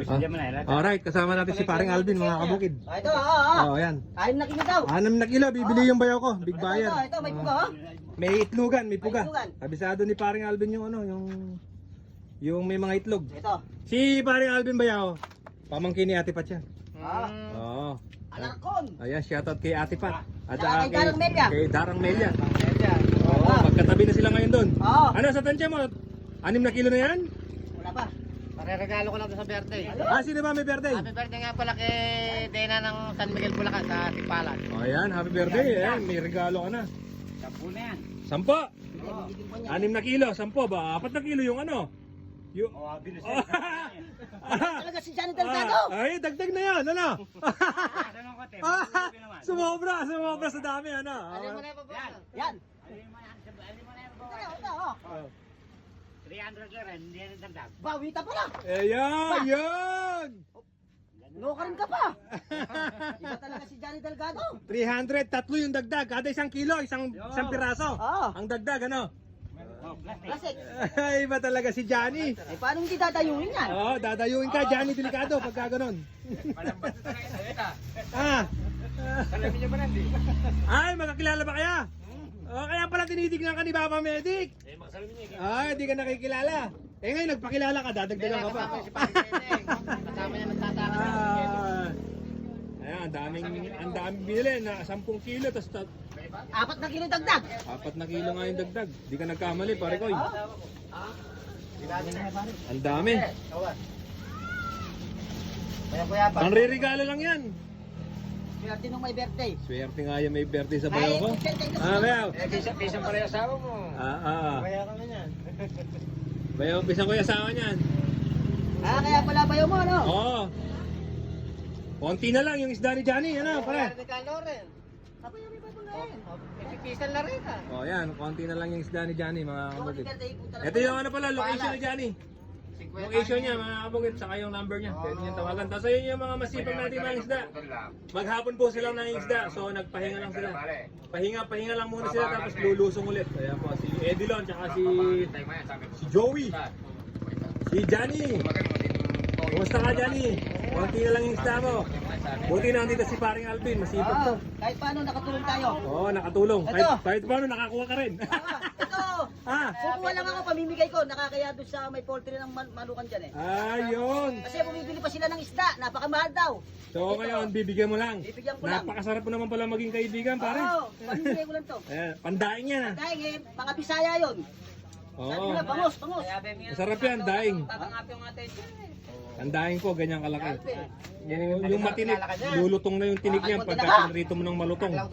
Alright, kasama natin si paring Alvin, mga kabukid. Ito, Oh, ayan. 6 na kilo daw. 6 na kilo, bibili yung bayaw ko. Big buyer. Ito, may puga, oh. May itlogan, may puga. May itlogan. Kabisado ni paring Alvin yung ano, yung may mga itlog. Ito. Si paring Alvin bayaw, pamangkin ni Ate Pat yan. Oo. Alakon. Ayan, shoutout kay Ate Pat. At Kay Darang Melia. Kay Darang Melia. Oo, magkatabi na sila ngayon doon. Oo. Ano sa tansya mo? 6 na kilo na yan? Wala pa. Pare-regalo ko lang sa birthday. Sino ba may birthday? Happy birthday nga pala kay Dena ng San Miguel Bulacan sa Tipalan. O ayan, happy birthday. Ayan, may regalo ka na. 10 na yan. 10. 6 na kilo, 10 ba? 4 na kilo yung ano? Yung... Talaga si Johnny Delgado. Ay, dagdag na yan, ano? Sumobra sa dami, ano? Alin mo na yung babae? Yan. Alin mo na yung babae? Ito, oh. 300 ka rin, hindi yan dagdag. Bawita pa lang. Ayan, yan! Lokarin ka pa. Iba talaga si Johnny Delgado. 300, tatlo yung dagdag. Kada 1 kilo, isang piraso. Oo. Ang dagdag, ano? Plastic. Ay, iba talaga si Johnny. Eh, paano hindi dadayuin yan? Oo, dadayuin ka, Johnny Delicado, pagka ganon. Ay, magkakilala ba kaya? Kaya pala tinitignan ka ni Papa Medic. Ay, hindi ka nakikilala. Eh ngayon, nagpakilala ka, dadagdagan ka pa. Kasama si Pare Deng. Kasama niya nagtataka. Ayan, ang daming bilhin na 10 kilo, tapos 4 na kilo dagdag. 4 na kilo nga yung dagdag. Di ka nagkamali, pare ko. Ang dami. Kuya pa. Ang ririgalo lang yan. Swerte nung may birthday. Swerte nga yan, may birthday sa bayo ko. Bayaw. Pisang pala yung asawa mo. Kaya kami yan. Bayaw, pisang ko yung asawa niyan. Kaya pala bayo mo, ano? Oo. Konti na lang yung isda ni Johnny, ano, pare? Regalo rin. Ako yung may papagayin. Pipisan na rin ah. Oh, yan, konti na lang yung isda ni Johnny, mga kabukid. Birthday po talaga. Ito yung ano pala, location ni Johnny. Location niya, mga kabukid, saka yung number niya. Pwede niya tawagan. Tapos ayun yung mga masipag natin mga isda. Maghapon po silang ng isda, so nagpahinga lang sila. Pahinga lang muna sila, tapos lulusong ulit. Ayan po, si Edilon, tsaka si Joey. Si Johnny. Kumusta ka, Johnny? Konti na lang yung isda mo. Buti na nandito si paring Alvin, masipag to. Kahit paano nakatulong tayo. Oo, nakatulong. Ito. Kahit paano, nakakuha ka rin. Ito. Kukuha lang ako, pamimigay ko. Nakakaya doon sa may poultry ng manukan dyan eh. Ayun. Kasi bumibili pa sila ng isda. Napakamahal daw. So ngayon, bibigyan mo lang. Bibigyan ko lang. Napakasarap mo naman pala maging kaibigan, pare. Oo, pamimigay ko lang to. Pandaing yan, ah. Dahil mga Bisaya yun. Sabi Oo. nila, pangos, pangos. Masarap yan, daing. Tatangap yung atin. Ang daing ko, ganyan kalaki. Alvin. Yung matinik, lulutong na yung tinik niyan pagka pinrito mo ng malutong.